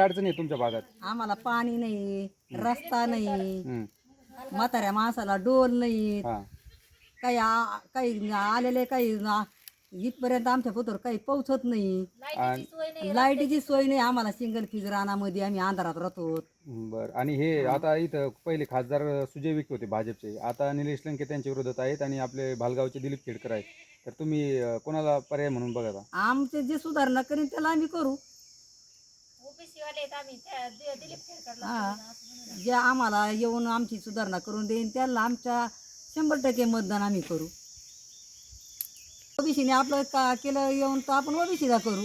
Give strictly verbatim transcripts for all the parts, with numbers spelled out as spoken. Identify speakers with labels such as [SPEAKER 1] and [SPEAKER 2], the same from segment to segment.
[SPEAKER 1] अडचणी आहे तुमच्या भागात?
[SPEAKER 2] आम्हाला पाणी नाही, रस्ता नाही,
[SPEAKER 1] हम्म.
[SPEAKER 2] म्हाताऱ्या माणसाला डोल नाही,
[SPEAKER 1] हा.
[SPEAKER 2] काही आ- काही आलेले काही ना- इथपर्यंत आमच्या पोतर काही पोहोचत नाही.
[SPEAKER 1] आणि
[SPEAKER 2] लाईटीची सोय नाही आम्हाला. सिंगल फिज रानामध्ये आम्ही अंधारात राहतो.
[SPEAKER 1] बर. आणि हे आता इथं पहिले खासदार सुजय विखे होते भाजपचे, आता निलेश लंके त्यांच्या विरोधात आहेत आणि आपले भालगावचे दिलीप खेडकर आहेत. तर तुम्ही अं, कोणाला पर्याय म्हणून बघा?
[SPEAKER 2] आमचे जे सुधारणा करीन त्याला आम्ही करू. हा, जे आम्हाला येऊन आमची सुधारणा करून देईन त्याला आमच्या शंभर टक्के मतदान आम्ही करू. ओबीसीने आपलं का केलं येऊन तर आपण ओबीसीला करू.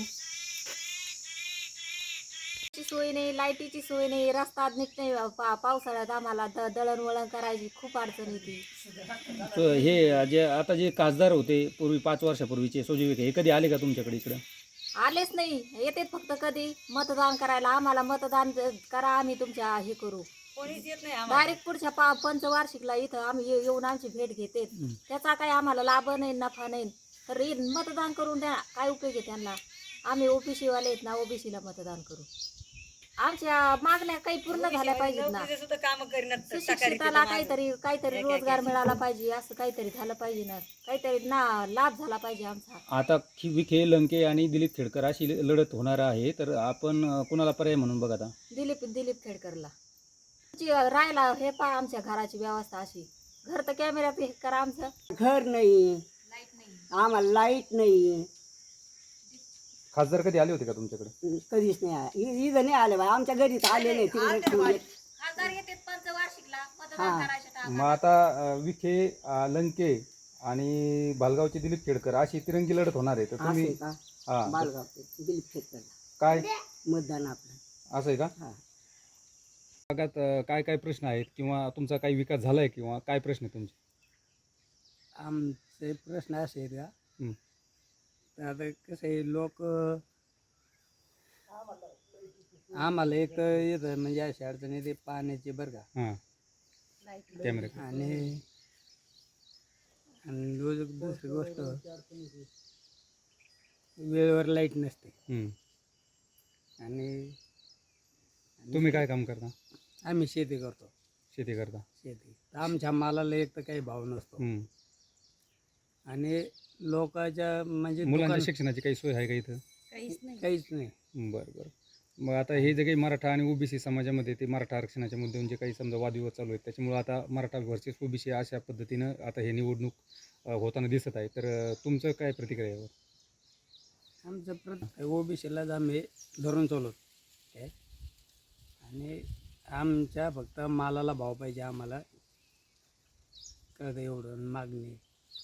[SPEAKER 3] सोय नाही, लाईटीची सोय नाही, रस्ता नीट नाही. पा पावसाळ्यात आम्हाला द दळणवळण करायची खूप अडचण येते.
[SPEAKER 4] तर हे जे आता जे खासदार होते पूर्वी पाच वर्षापूर्वीचे सुजय विखे, हे कधी आले का तुमच्याकडे इकडं?
[SPEAKER 3] आलेच नाही, येते फक्त कधी मतदान करायला. आम्हाला मतदान करा, आम्ही तुमच्या हे करू.
[SPEAKER 2] कोणीच येत नाही.
[SPEAKER 3] डायरेक्ट पुढच्या पा पंचवार्षिकला इथं आम्ही ये- येऊन आमची भेट घेते. त्याचा काही आम्हाला लाभ नाही, नफा नाही. तर हे मतदान करून द्या, काय उपयोग आहे त्यांना. आम्ही ओबीसी वाले आहेत ना, ओबीसीला मतदान करू. आमच्या मागण्या काही पूर्ण झाल्या पाहिजेत ना. सुशिक्षिताला काहीतरी काहीतरी रोजगार मिळाला पाहिजे, असं काहीतरी झालं पाहिजे ना. काहीतरी ना लाभ झाला पाहिजे आमचा.
[SPEAKER 4] आता खि- विखे, लंके आणि दिलीप खेडकर अशी ल- लढत होणार आहे, तर आपण अं, कुणाला पर्याय म्हणून बघा आता?
[SPEAKER 3] दिलीप दिलीप खेडकरला ची- राहायला हे पहा आमच्या घराची व्यवस्था अशी. घर तर कॅमेऱ्यात हे करा आमचं.
[SPEAKER 5] घर नाही, आम्हाला लाईट नाही,
[SPEAKER 1] खासदार कधी आले होते का तुमच्याकडे?
[SPEAKER 5] कधीच नाही आला. इ- इथं नाही आले बाई, आमच्या घरी तर आले नाही. तिकडे ठेवले.
[SPEAKER 3] खासदार येते पंचवार्षिकला मतदान करायचं.
[SPEAKER 1] मग आता अं, विखे, अं, लंके आणि भालगावचे दिलीप खेडकर अशी तिरंगी लढत होणार आहे. तर तुम्ही
[SPEAKER 5] असं का
[SPEAKER 1] हा
[SPEAKER 5] बालगाव दिलीप खेडकर
[SPEAKER 1] काय
[SPEAKER 5] मतदान आपलं.
[SPEAKER 1] असं आहे का?
[SPEAKER 5] हा.
[SPEAKER 1] भागात अं, काय काय प्रश्न आहेत किंवा तुमचा काही विकास झालाय किंवा काय प्रश्न आहे तुमचे?
[SPEAKER 6] आमचे प्रश्न असे आहेत का,
[SPEAKER 1] हं.
[SPEAKER 6] तर आता कसं आहे, लोक आम्हाला एक तर येतं म्हणजे अशी अडचण येते पाण्याची बरं का.
[SPEAKER 1] हां. कॅमेरा.
[SPEAKER 6] आणि आणि रोज दुसरी गोष्ट, वेळेवर लाईट नसते.
[SPEAKER 1] हं.
[SPEAKER 6] आणि
[SPEAKER 1] तुम्ही काय काम करता?
[SPEAKER 6] आम्ही शेती करतो.
[SPEAKER 1] शेती करता.
[SPEAKER 6] शेती तर आमच्या मालाला एक तर काही भाव नसतो.
[SPEAKER 1] हं.
[SPEAKER 6] आणि लोकांच्या म्हणजे
[SPEAKER 1] मुलांच्या
[SPEAKER 6] दुकान-
[SPEAKER 1] शिक्षणाची काही सोय आहे का इथं?
[SPEAKER 2] काहीच नाही.
[SPEAKER 6] काहीच नाही.
[SPEAKER 1] बरं बरं. मग आता हे जे काही मराठा आणि ओबीसी समाजामध्ये ते मराठा आरक्षणाच्या मुद्द्यावरून जे काही समजा वादविवाद चालू आहेत, त्याच्यामुळे आता मराठा व्हर्सेस ओबीसी अशा पद्धतीनं आता हे निवडणूक अ, होताना दिसत आहे. तर अ, तुमचं काय प्रतिक्रिया यावर?
[SPEAKER 6] आमचं प्रत ओबीसीलाच आम्ही धरून चालवतो काय. आणि आमच्या फक्त मालाला भाव पाहिजे आम्हाला, कळतं एवढं मागणी.